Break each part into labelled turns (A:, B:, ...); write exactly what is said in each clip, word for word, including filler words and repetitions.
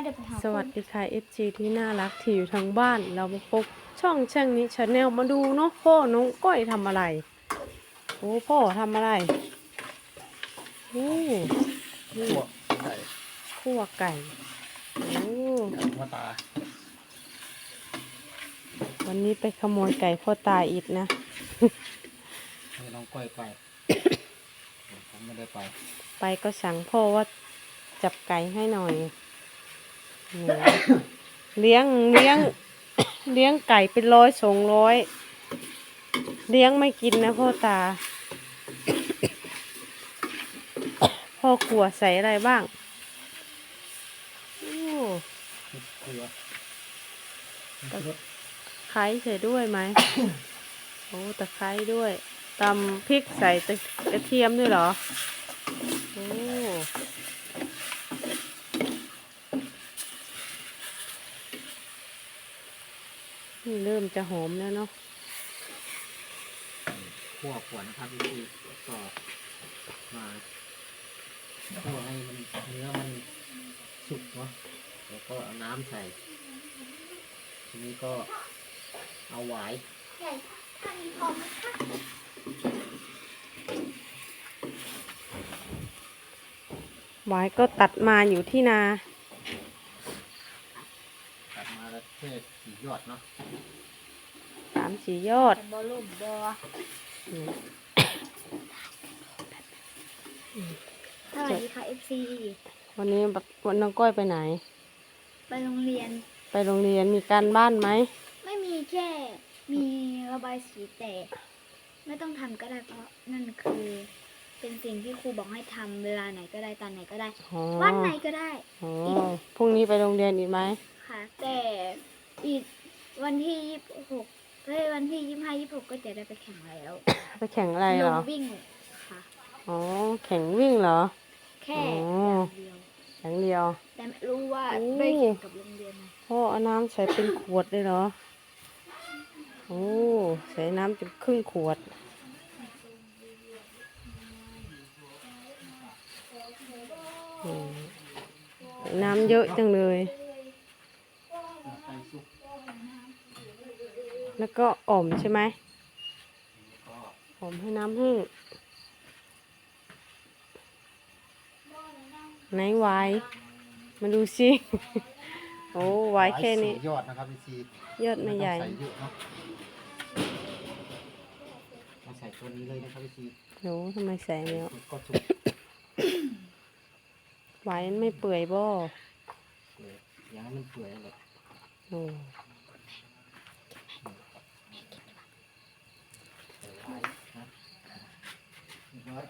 A: ดี๋ยวไปหา
B: สวัสดีค่ะ เอฟ ซี ที่น่ารักที่อยู่ทางบ้านเรามาพบช่องช่างนี้ชาแนลมาดูเนาะพ่อน้องก้อยทำอะไรโอ้พ่อทำอะไรโอ้นี่
C: ขั่วไก่
B: คั่วไก่โอ้
C: หัวตา
B: วันนี้ไปขโมยไก่พ่อตาอีกนะ
C: ให้น้องก้อยไป ผมไม่ได้ไป
B: ไปก็สั่งพ่อว่าจับไก่ให้หน่อยนี่เลี้ยงเลี้ยง เลี้ยงไก่เป็นร้อยสองร้อยเลี้ยงไม่กินนะพ่อตา พ่อครัวใส่อะไรบ้างโอ้
C: เกลือ
B: ตะไคร้ใส่ด้วยไหม โอ้ตะไคร้ด้วยตำพริกใส่ตะกระเทียมด้วยเหรอโอ้นี่เริ่มจะหอมแล้วเนาะ
C: ขั่วขวนนะครับวิธีก็มาขั่วให้มันเนื้อมันสุกเนาะแล้วก็เอาน้ำใส่ทีนี้ก็เอาหวาย
B: หวายก็ตัดมาอยู่ที่นา
C: ตัดมาแล้วเทศสียอดเนาะ
B: สามสี่ยอด
A: บอลลูนบอ
B: อืม
A: สวัสดีค่ะ เอฟ ซี
B: วันนี้วันน้องก้อยไปไหน
A: ไปโรงเรียน
B: ไปโรงเรียนมีการบ้านไหม
A: ไม่มีแค่มีระบายสีแต่ไม่ต้องทำก็ได้เพราะนั่นคือเป็นสิ่งที่ครูบอกให้ทำเวลาไหนก็ได้ตอนไหนก็ได้
B: อ๋อ
A: วันไหนก็ได้
B: อ๋อพรุ่งนี้ไปโรงเรียนอีกไหม
A: ค่ะ แต่อีกวันที่ยี่สิบหกเฮ้ยวันที่ยี่สิบห้ายี่สิบหกก็จะได้ไปแข่งแล้ว
B: ไปแข่งอะไร
A: ล
B: เหรง อ
A: วิ่งค่ะ
B: อ๋อแข่งวิ่งเหรอ
A: แค่
B: อ๋อ
A: อย่างเดียว
B: อย่างเดียว
A: แต่ไม่รู้ว่า
B: โอ้
A: ได้แข่งกับโรงเรียนไหม
B: พ่อเอาน้ำใส่เป็นขวดเลยเหรอ โอ้ใส่น้ำจนครึ่งขวดอืมใส่น้ำเยอะจังเลย
C: ไก่สุก
B: แล้วก็อ่อมใช่ไหม
C: ก็
B: อ่อมให้น้ำแห้งไหนไวายมาดูสิ โอ้ไวายแค่นี้
C: สี่ยอดนะครับวิธี
B: ยอดไม่ใหญ่
C: ใส่เยอะเนาะมาใส่ตัวนี้เลยนะครับวิธี
B: โอ้ทำไมใส่แล้ว
C: ก็สุก
B: ไวายมันไม่เปื่อยบ่
C: เลยอย่างนั้นมันเปื่อยเลย
B: โอ้
C: ใส่ไว้นะเรียบร้อย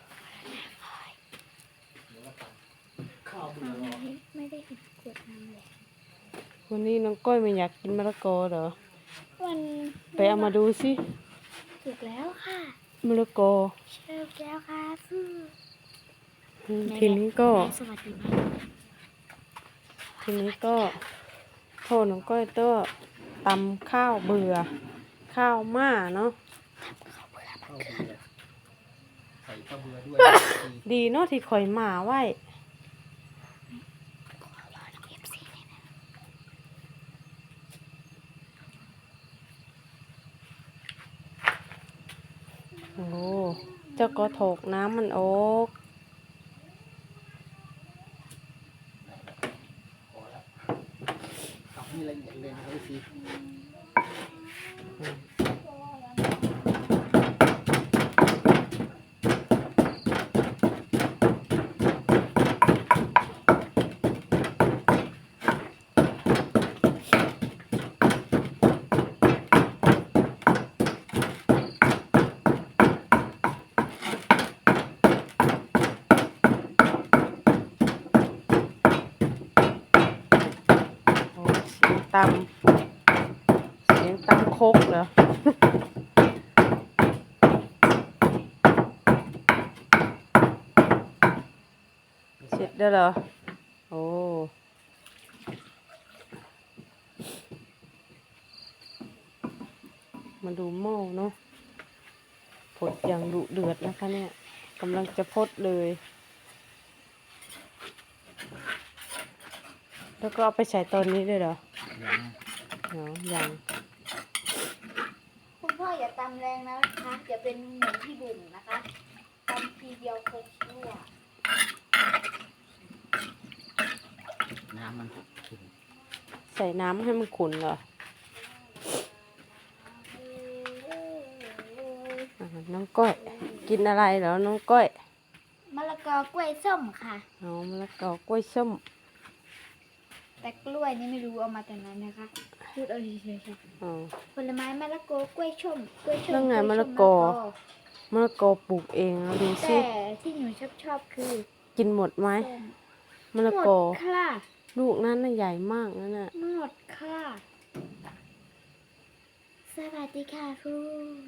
C: เดี๋ยวเราตักข้าวเบื่อรอ
A: ไม่ไม่ได้เห็นขวดน้ำเลย
B: วันนี้น้องก้อยไม่อยากกินมะละกอเหรอ
A: มัน
B: ไปเอามาดูสิ
A: ถูกแล้วค่ะ
B: มะละกอ
A: เชิญแล้วค่ะฟู่
B: อืมทีนี้ก็
A: สวัสดีไหม
B: ทีนี้ก็โทษน้องก้อยเต้อตำข้าวเบื่อ ข้าวม่าเนาะ
C: ข้าวเบื่อใส่ข้าวเบื่อด้วย
B: ดีเนาะที่ข่อยหมาไว้ โอ้เจ้าก็โถกน้ำมันออก
C: พอแล้วทำให้ละเอียดเลยนะครับวิธี
B: โอ้เสียงตำเสียงตำโคกเหรอ เสร็จแล้วเหรอ โอ้ มาดูหม้อเนาะผดอย่างดุเดือดนะคะเนี่ยกำลังจะพดเลยแล้วก็เอาไปใส่ตอนนี้ด้วยเหรอ
C: ยัง
B: เดี๋ยวยัง
A: คุณพ่ออย่าตำแรงนะคะอย่าเป็นเหมือนพี่บุ๋มนะคะตำทีเดียวครบชั่ว
C: น้ำมันขุ่น
B: ใส่น้ำให้มันขุ่นเหรออ่าน้องก้อย กินอะไรเหรอน้องก้อย
A: มะละกอกล้วยส้มค่ะ
B: เอามะละกอกล้วยส้ม
A: แต่กล้วยนี่ไม่รู้เอามาจากไหนนะคะพูดเอาเฉยๆค่ะ
B: อ๋อ
A: ผลไม้มะละกอกล้วยส้มกล้วยส้ม
B: แล้วไง
A: กวยส้
B: มะละกอ มะละกอปลูกเองเอาดูสิ
A: แต่ที่หนูชอบชอบๆคือ
B: กินหมดไหม
A: ส้ม
B: มะละ
A: หม
B: กอ
A: ดค่ะ
B: ลูกนั้นน่ะใหญ่มากนั่นน่ะ
A: หมดค่ะสวัสดีค่ะครู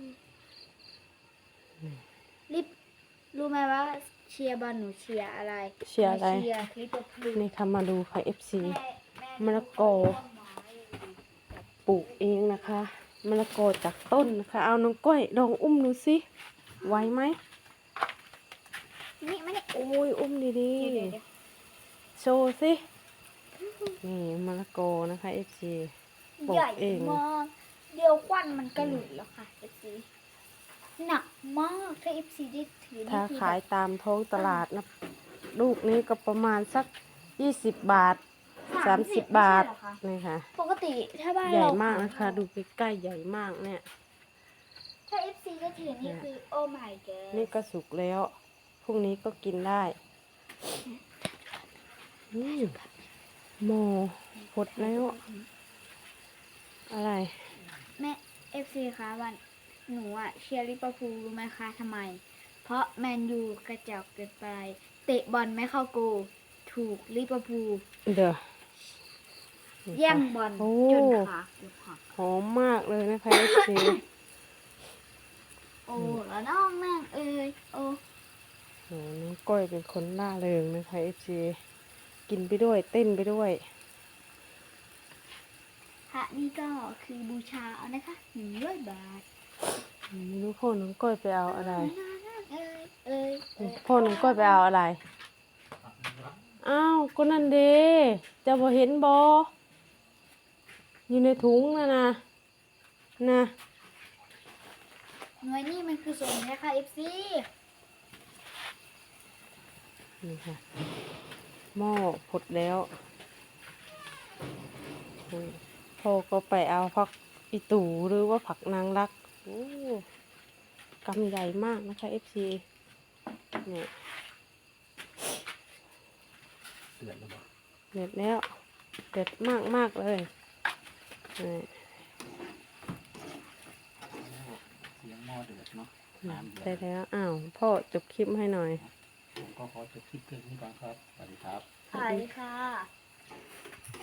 A: ลิปรู้ไหมว่าเชียร์บอลหนูเชียร์อะไร
B: เชียร์อะไร
A: หนูเชียร์ลิเวอร์พูล
B: นี่ค่ะมาดูค่ะ เอฟ ซี
A: แม่แ
B: มะละกอ ปลูกเองนะคะมะละกอจากต้นนะคะ เอาน้องก้อยลองอุ้มดูสิไหวไหม
A: นี่ไม่ได้
B: โอ้ยอุ้มดี
A: เดี๋ยวเดี๋ยวเดี๋ยว
B: ๆโชว์สินี่มะละกอนะคะ เอฟ ซี ปลูก
A: ใหญ่
B: เอง
A: มากเดียวควันมันก็หลุดแล้วค่ะเอฟซีหนักมากถ้าเอฟซีได้ถือนี่
B: ถ้า
A: คือ
B: ขาย
A: แบบ
B: ตามท้องตลาดนะลูกนี้ก็ประมาณสักยี่สิบบาทสามสิบบาท
A: ไม่ใช่เหรอคะ
B: นี่ค่ะ
A: ปกติถ้าบ้าน
B: ใหญ่
A: เรา
B: มากนะคะ
A: ขย
B: ดูใกล้ๆใหญ่มากเนี่ย
A: ถ้าเอฟซีได้ถือนี่คือโอ้ my god
B: นี่ก็สุกแล้วพรุ่งนี้ก็กินได้อืมหมอหดแล้ว อะไร
A: แม่เอฟซีคะวันหนูอะเชียร์ลิเวอร์พูลรู้ไหมคะทำไม เพราะแมนยูกระจอกเกินไป เตะบอลไม่เข้าโกลถูกลิเวอร์พูล
B: เดี๋ยว
A: แย่งบอล
B: โอ้
A: จนขาเกือบหัก
B: หอมมากเลยนะคะเอฟซี
A: โอ้แล้วน้องนั่งเอ้ยโอ้
B: โหน้องก้อยเป็นคนล่าเริงนะคะเอฟซีกินไปด้วยเต้นไปด้วย
A: พระนี่ก็คือบูชาเอานะคะหนึ่งร้อยบาท
B: ไม่รู้พ่อน้องก้อยไปเอาอะไร
A: เอ้ยเอ้ยเอ้ย
B: พ่อน้องก้อยไปเอาอะไร อ้าวก็นั่นเด้จะบ่เห็นบออยู่ในถุงนะนะนะ
A: หน่วยนี่มันคือส่วนนี้ค่ะเอฟซี
B: นี่ค่ะหม้อผดแล้วอืมพ่อก็ไปเอาผักอีตูหรือว่าผักนางรักโอ้กำใหญ่มากนะคะเอฟซีเนี่ย
C: เดือดแล้วบอก
B: เด็ดแล้วเด็ดมากมากๆเลยนี่
C: เสียงหม้อเดือดเนาะ
B: อืม
C: น้ำเดื
B: ได้
C: อด
B: แล้วอ้าวพ่อจบคลิปให้หน่อย
C: ผมก็ขอจบคลิปเพียงนี้ก่อนครับสวัสดีครับ
A: สวัสดีค่ะ